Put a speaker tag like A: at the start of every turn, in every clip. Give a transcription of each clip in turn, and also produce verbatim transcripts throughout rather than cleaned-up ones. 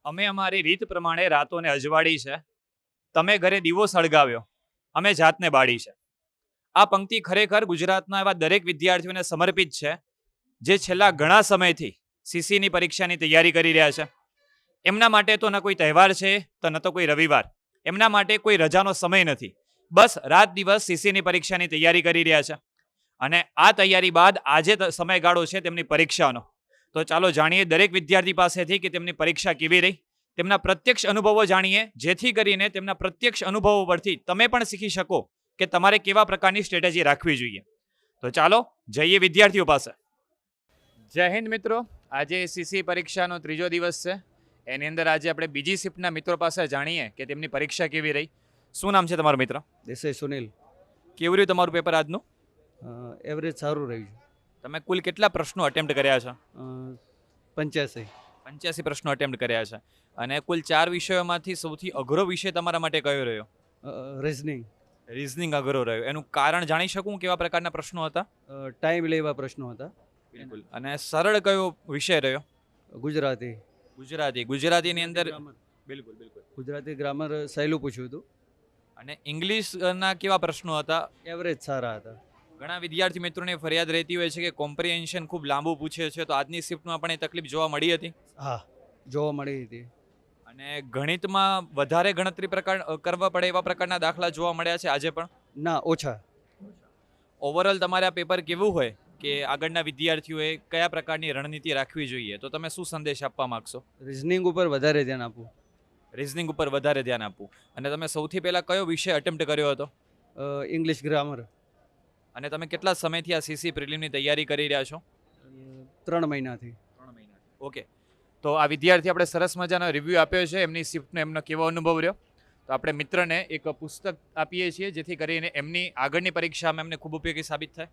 A: અમે અમારી રીત પ્રમાણે રાતોને અજવાળી છે. તમે ઘરે દીવો સળગાવ્યો, અમે જાતને બાળી છે. આ પંક્તિ ખરેખર ગુજરાતના એવા દરેક વિદ્યાર્થીઓને સમર્પિત છે જે છેલ્લા ઘણા સમયથી સીસીની પરીક્ષાની તૈયારી કરી રહ્યા છે. એમના માટે તો ન કોઈ તહેવાર છે તો ન તો કોઈ રવિવાર. એમના માટે કોઈ રજાનો સમય નથી. બસ રાત દિવસ સીસીની પરીક્ષાની તૈયારી કરી રહ્યા છે. અને આ તૈયારી બાદ આજે સમયગાળો છે તેમની પરીક્ષાનો. તો ચાલો જાણીએ દરેક વિદ્યાર્થી પાસેથી કે તેમની પરીક્ષા કેવી રહી, તેમના પ્રત્યક્ષ અનુભવો જાણીએ, જેથી કરીને તેમના પ્રત્યક્ષ અનુભવો પરથી તમે પણ શીખી શકો કે તમારે કેવા પ્રકારની સ્ટ્રેટેજી રાખવી જોઈએ. તો ચાલો જઈએ વિદ્યાર્થીઓ પાસે. જય હિન્દ મિત્રો. આજે સીસી પરીક્ષાનો ત્રીજો દિવસ છે. એની અંદર આજે આપણે બીજી શિફ્ટના મિત્રો પાસે જાણીએ કે તેમની પરીક્ષા કેવી રહી. શું નામ છે તમારો મિત્ર?
B: દેસાઈ સુનિલ.
A: કેવું રહ્યું તમારું પેપર આજનું?
B: એવરેજ સારું રહ્યું છે.
A: તમે કુલ કેટલા પ્રશ્નો અટેમ્પ્ટ કર્યા છે?
B: પંચ્યાસી
A: પંચ્યાસી પ્રશ્નો અટેમ્પ્ટ કર્યા છે. અને કુલ ચાર વિષયોમાંથી સૌથી અઘરો વિષય તમારા માટે કયો રહ્યો?
B: રીઝનિંગ.
A: રીઝનિંગ અઘરો રહ્યો. એનું કારણ જાણી શકું કેવા પ્રકારના પ્રશ્નો હતા?
B: ટાઈમ લેવા પ્રશ્નો હતા.
A: બિલકુલ. અને સરળ કયો વિષય રહ્યો?
B: ગુજરાતી.
A: ગુજરાતી. ગુજરાતીની અંદર બિલકુલ બિલકુલ
B: ગુજરાતી ગ્રામર સહેલું પૂછ્યું હતું.
A: અને ઇંગ્લિશના કેવા પ્રશ્નો હતા?
B: એવરેજ સારા હતા.
A: ઘણા વિદ્યાર્થી મિત્રોને ફરિયાદ રહેતી હોય છે કે કોમ્પ્રિહેન્શન ખૂબ લાંબુ પૂછે છે, તો આજની શિફ્ટમાં પણ એ તકલીફ જોવા મળી હતી?
B: હા, જોવા મળી હતી.
A: અને ગણિતમાં વધારે ગણતરી પ્રકાર કરવા પડે એવા પ્રકારના દાખલા જોવા મળ્યા છે આજે પણ?
B: ના, ઓછા.
A: ઓવરઓલ તમારે આ પેપર કેવું હોય કે આગળના વિદ્યાર્થીઓએ કયા પ્રકારની રણનીતિ રાખવી જોઈએ, તો તમે શું સંદેશ આપવા માંગશો?
B: રીઝનિંગ ઉપર વધારે ધ્યાન આપવું.
A: રીઝનિંગ ઉપર વધારે ધ્યાન આપવું. અને તમે સૌથી પહેલાં કયો વિષય અટેમ્પ્ટ કર્યો હતો?
B: English grammar.
A: અને તમે કેટલા સમયથી આ સીસી પ્રિલિમની તૈયારી કરી રહ્યા છો?
B: ત્રણ મહિનાથી.
A: ત્રણ મહિનાથી. ઓકે. તો આ વિદ્યાર્થી આપણે સરસ મજાનો રિવ્યૂ આપ્યો છે એમની શિફ્ટનો, એમનો કેવો અનુભવ રહ્યો. તો આપણે મિત્રને એક પુસ્તક આપીએ છીએ જેથી કરીને એમની આગળની પરીક્ષામાં એમને ખૂબ ઉપયોગી સાબિત થાય.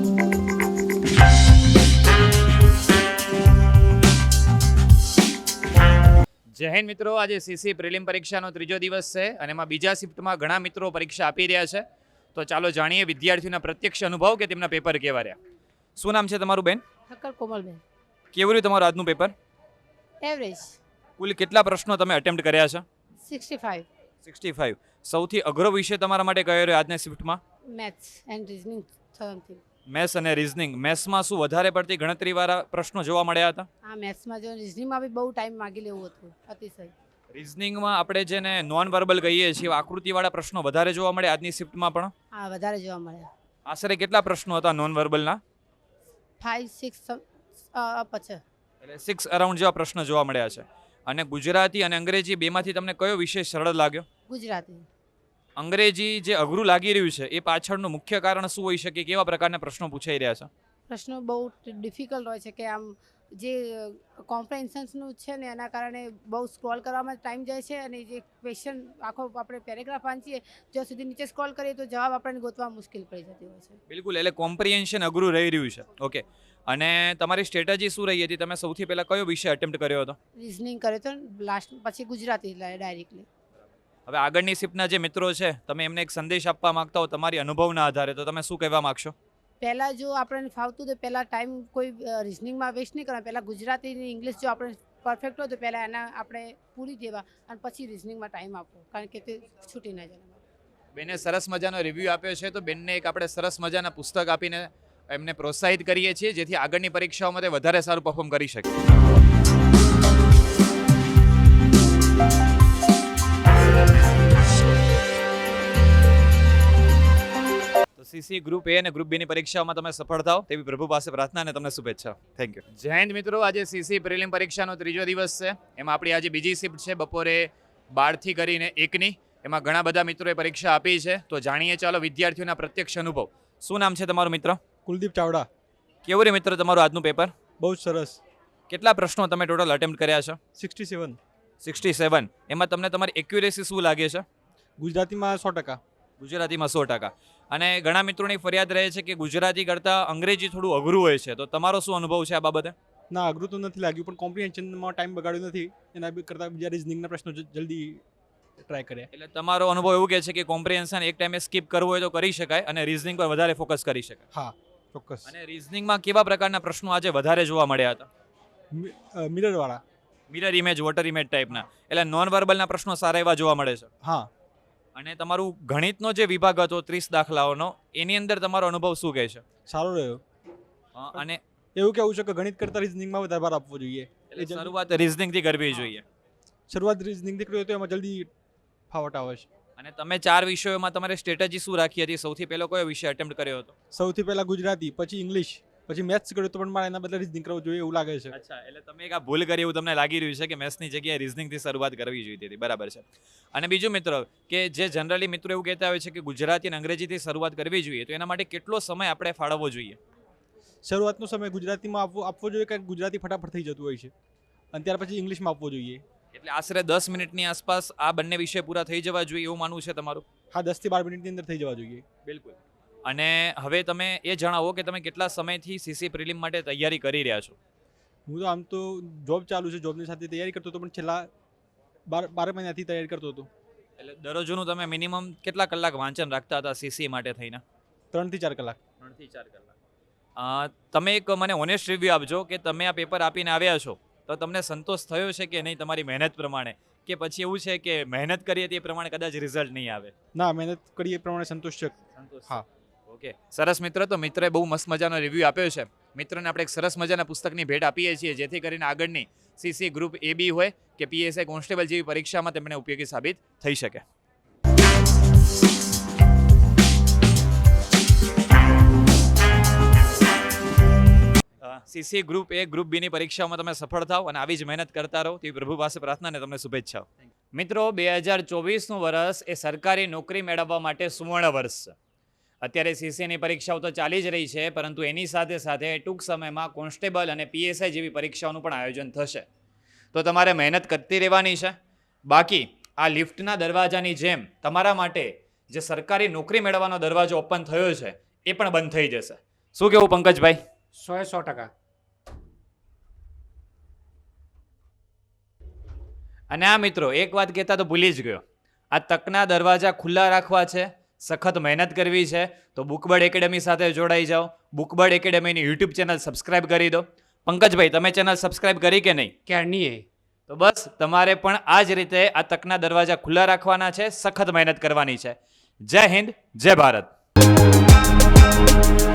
A: જય હિન્દ મિત્રો. આજે સીસી પ્રિલિમ પરીક્ષાનો ત્રીજો દિવસ છે અને એમાં બીજા શિફ્ટમાં ઘણા મિત્રો પરીક્ષા આપી રહ્યા છે. તો ચાલો જાણીએ વિદ્યાર્થીઓના પ્રત્યક્ષ અનુભવ કે તેમના પેપર કેવા રહ્યા. શું નામ છે તમારું બેન?
C: ઠક્કર કોમલબેન.
A: કેવું રહ્યું તમારું આજનું પેપર?
C: એવરેજ.
A: કુલ કેટલા પ્રશ્નો તમે અટેમ્પ્ટ કર્યા છે?
C: Sixty five.
A: Sixty five. સૌથી અઘરો વિષય તમારા માટે કયો રહ્યો આજની શિફ્ટમાં?
C: Maths and reasoning something.
A: Maths અને રીઝનિંગ. મેથ્સમાં શું વધારે પડતી ગણતરીવાળા પ્રશ્નો જોવા મળ્યા હતા?
C: હા, મેથ્સમાં જો રીઝનિંગમાં બી બહુ ટાઈમ માગી લેવું હતું, અતિશય.
A: રીઝનિંગમાં આપણે જેને નોન વર્બલ કહીએ છીએ આકૃતિવાળા પ્રશ્નો વધારે જોવા મળે આજની શિફ્ટમાં પણ?
C: હા, વધારે જોવા મળ્યા.
A: આશરે કેટલા પ્રશ્નો હતા નોન વર્બલના?
C: ફાઇવ સિક્સ પછી
A: એટલે સિક્સ અરાઉન્ડ જેવા પ્રશ્નો જોવા મળ્યા છે. અને ગુજરાતી અને અંગ્રેજી બેમાંથી તમને કયો વિષય સરળ લાગ્યો?
C: ગુજરાતી.
A: અંગ્રેજી જે અઘરું લાગી રહ્યું છે એ પાછળનું મુખ્ય કારણ શું હોઈ શકે? કેવા પ્રકારના પ્રશ્નો પૂછાઈ રહ્યા છે?
C: પ્રશ્નો બહુ ડિફિકલ્ટ હોય છે કે આમ જે કોમ્પ્રેન્શન્સનું છે ને એના કારણે બહુ સ્ક્રોલ કરવામાં ટાઈમ જાય છે અને જે ક્વેશ્ચન આખો આપણે પેરેગ્રાફ વાંચીએ જ્યાં સુધી નીચે સ્ક્રોલ કરીએ તો જવાબ આપણને ગોતવા મુશ્કેલ પડી જતી હોય છે.
A: બિલકુલ. એટલે કોમ્પ્રિહેન્શન અઘરું રહી રહ્યું છે. ઓકે. અને તમારી સ્ટ્રેટેજી શું રહી હતી? તમે સૌથી પહેલાં કયો વિષય અટેમ્પ્ટ કર્યો હતો?
C: રીઝનિંગ કર્યો તો લાસ્ટ, પછી ગુજરાતી ડાયરેક્ટલી.
A: હવે આગળની શિફ્ટના જે મિત્રો છે તમે એમને એક સંદેશ આપવા માંગતા હો તમારી અનુભવના આધારે, તો તમે શું કહેવા માંગશો?
C: પહેલાં જો આપણને ફાવતું તો પહેલાં ટાઈમ કોઈ રિઝનિંગમાં વેસ્ટ નહીં કરવાનો. પહેલાં ગુજરાતી ને ઇંગ્લિશ જો આપણે પરફેક્ટ હોય તો પહેલાં એના આપણે પૂરી દેવા અને પછી રિઝનિંગમાં ટાઈમ આપવો, કારણ કે તે છૂટી ના જાય.
A: બેને સરસ મજાનો રિવ્યૂ આપ્યો છે, તો બેનને એક આપણે સરસ મજાના પુસ્તક આપીને એમને પ્રોત્સાહિત કરીએ છીએ જેથી આગળની પરીક્ષાઓમાં તે વધારે સારું પરફોર્મ કરી શકે. સીસી ગ્રુપ એ અને ગ્રુપ બી ની પરીક્ષાઓમાં તમે સફળ થાઓ તેવી પ્રભુ પાસે પ્રાર્થના અને તમને શુભેચ્છા. Thank you. જય હિન્દ મિત્રો. આજે સીસી પ્રિલિમ પરીક્ષાનો ત્રીજો દિવસ છે. એમાં આપણી આજે બીજી શિફ્ટ છે બપોરે બારથી કરીને એકની. એમાં ઘણા બધા મિત્રોએ પરીક્ષા આપી છે. તો જાણીએ ચાલો વિદ્યાર્થીઓના પ્રત્યક્ષ અનુભવ. શું નામ છે તમારું મિત્ર?
D: કુલદીપ ચાવડા.
A: કેવું રે મિત્ર તમારું આજનું પેપર?
D: બહુ જ સરસ.
A: કેટલા પ્રશ્નો તમે ટોટલ અટેમ્પ્ટ કર્યા છે?
D: Sixty seven.
A: Sixty seven. એમાં તમને તમારી એક્યુરેસી શું લાગે છે?
D: ગુજરાતીમાં સો ટકા.
A: ગુજરાતીમાં સો ટકા. અને ઘણા મિત્રોની ફરિયાદ રહે છે કે ગુજરાતી કરતાં અંગ્રેજી થોડું અઘરું હોય છે, તો તમારો શું અનુભવ છે આ બાબતે?
D: ના, અઘરું તો નથી લાગ્યું, પણ કોમ્પ્રિહેન્શનમાં ટાઈમ બગાડ્યો નથી. એના કરતાં બીજા રીઝનિંગના પ્રશ્નો જલ્દી ટ્રાય કર્યા.
A: એટલે તમારો અનુભવ એવું કહે છે કે કોમ્પ્રિહેન્શન એક ટાઈમે સ્કીપ કરવું હોય તો કરી શકાય અને રીઝનિંગ પર વધારે ફોકસ કરી શકાય.
D: હા, ચોક્કસ.
A: અને રીઝનિંગમાં કેવા પ્રકારના પ્રશ્નો આજે વધારે જોવા મળ્યા હતા?
D: મિરરવાળા.
A: મિરર ઇમેજ વોટર ઇમેજ ટાઈપના, એટલે નોન વર્બલના પ્રશ્નો સારા એવા જોવા મળે છે.
D: હા.
A: અને તમારું ગણિતનો જે વિભાગ હતો ત્રીસ દાખલાઓનો, એની અંદર તમારો અનુભવ શું કહે છે?
D: સારો રહ્યો.
A: અ, અને
D: એવું કેવું છે કે ગણિત કરતાં રિઝનિંગમાં વધારે ભાર આપવો જોઈએ.
A: એટલે શરૂઆત રિઝનિંગથી કરવી જોઈએ.
D: શરૂઆત રિઝનિંગથી કરી હોય તો એમાં જલ્દી ફાવટ આવે છે.
A: અને તમે ચાર વિષયોમાં તમારે સ્ટ્રેટેજી શું રાખી હતી? સૌથી પહેલો કયો વિષય અટેમ્પ્ટ કર્યો હતો?
D: સૌથી પહેલાં ગુજરાતી, પછી ઇંગ્લિશ, પછી મેથ્સ કર્યું તો પણ મારે એના બદલે રિઝનિંગ કરવું જોઈએ એવું લાગે છે.
A: અચ્છા, એટલે તમે એક આ ભૂલ કરી એવું તમને લાગી રહ્યું છે કે મેથ્સની જગ્યાએ રિઝનિંગથી શરૂઆત કરવી જોઈતી હતી. બરાબર છે. અને બીજું મિત્રો, કે જે જનરલી મિત્રો એવું કહેતા હોય છે કે ગુજરાતી અને અંગ્રેજીથી શરૂઆત કરવી જોઈએ, તો એના માટે કેટલો સમય આપણે ફાળવવો જોઈએ?
D: શરૂઆતનો સમય ગુજરાતીમાં આપવો આપવો જોઈએ કારણ કે ગુજરાતી ફટાફટ થઈ જતું હોય છે, અને ત્યાર પછી ઇંગ્લિશમાં આપવો જોઈએ.
A: એટલે આશરે દસ મિનિટની આસપાસ આ બંને વિષય પૂરા થઈ જવા જોઈએ એવું માનવું છે તમારું?
D: હા, દસથી બાર મિનિટની અંદર થઈ જવા જોઈએ.
A: બિલકુલ. અને હવે તમે એ જણાવો કે તમે કેટલા સમયથી સીસી પ્રિલિમ માટે તૈયારી કરી રહ્યા છો?
D: હું તો આમ તો જોબ ચાલુ છે, જોબની સાથે તૈયારી કરતો હતો, પણ છેલ્લા બાર બાર મહિનાથી તૈયારી કરતો હતો.
A: એટલે દરરોજનું તમે મિનિમમ કેટલા કલાક વાંચન રાખતા હતા સીસી માટે થઈને?
D: ત્રણથી ચાર કલાક.
A: ત્રણથી ચાર કલાક. અ, તમે એક મને ઓનેસ્ટ રિવ્યૂ આપજો કે તમે આ પેપર આપીને આવ્યા છો તો તમને સંતોષ થયો છે કે નહીં તમારી મહેનત પ્રમાણે, કે પછી એવું છે કે મહેનત કરીએ તે પ્રમાણે કદાચ રિઝલ્ટ નહીં આવે?
D: ના, મહેનત કરીએ એ પ્રમાણે સંતોષ છે.
A: સંતોષ.
D: હા.
A: ઓકે, સરસ મિત્ર. તો મિત્રએ બહુ મસ્ત મજાનો રિવ્યૂ આપ્યો છે. મિત્રોને આપણે એક સરસ મજાના પુસ્તકની ભેટ આપીએ છીએ જેથી કરીને આગળની સીસી ગ્રુપ એ બી હોય કે પીએસઆઈ કોન્સ્ટેબલ જેવી પરીક્ષામાં તેમને ઉપયોગી સાબિત થઈ શકે. સીસી ગ્રુપ એ ગ્રુપ બીની પરીક્ષાઓમાં તમે સફળ થાઓ અને આવી જ મહેનત કરતા રહો તેવી પ્રભુ પાસે પ્રાર્થના અને તમને શુભેચ્છાઓ. મિત્રો, બે હજાર ચોવીસનું વર્ષ એ સરકારી નોકરી મેળવવા માટે સુવર્ણ વર્ષ છે. અત્યારે સીસીની પરીક્ષાઓ તો ચાલી જ રહી છે, પરંતુ એની સાથે સાથે ટૂંક સમયમાં કોન્સ્ટેબલ અને પીએસઆઈ જેવી પરીક્ષાઓનું પણ આયોજન થશે. તો તમારે મહેનત કરતી રહેવાની છે. બાકી આ લિફ્ટના દરવાજાની જેમ તમારા માટે જે સરકારી નોકરી મેળવવાનો દરવાજો ઓપન થયો છે એ પણ બંધ થઈ જશે. શું કેવું પંકજભાઈ?
E: સો સો ટકા.
A: અને આ મિત્રો, એક વાત કહેતા તો ભૂલી જ ગયો, આ તકના દરવાજા ખુલ્લા રાખવા છે, સખત મહેનત કરવી છે, તો બુકબર્ડ એકેડમી સાથે જોડાઈ જાઓ. બુકબર્ડ એકેડમીની યુટ્યુબ ચેનલ સબસ્ક્રાઇબ કરી દો. પંકજભાઈ, તમે ચેનલ સબસ્ક્રાઇબ કરી કે નહીં?
E: ક્યારની એ
A: તો બસ તમારે પણ આ જ રીતે આ તકના દરવાજા ખુલ્લા રાખવાના છે, સખત મહેનત કરવાની છે. જય હિન્દ, જય ભારત.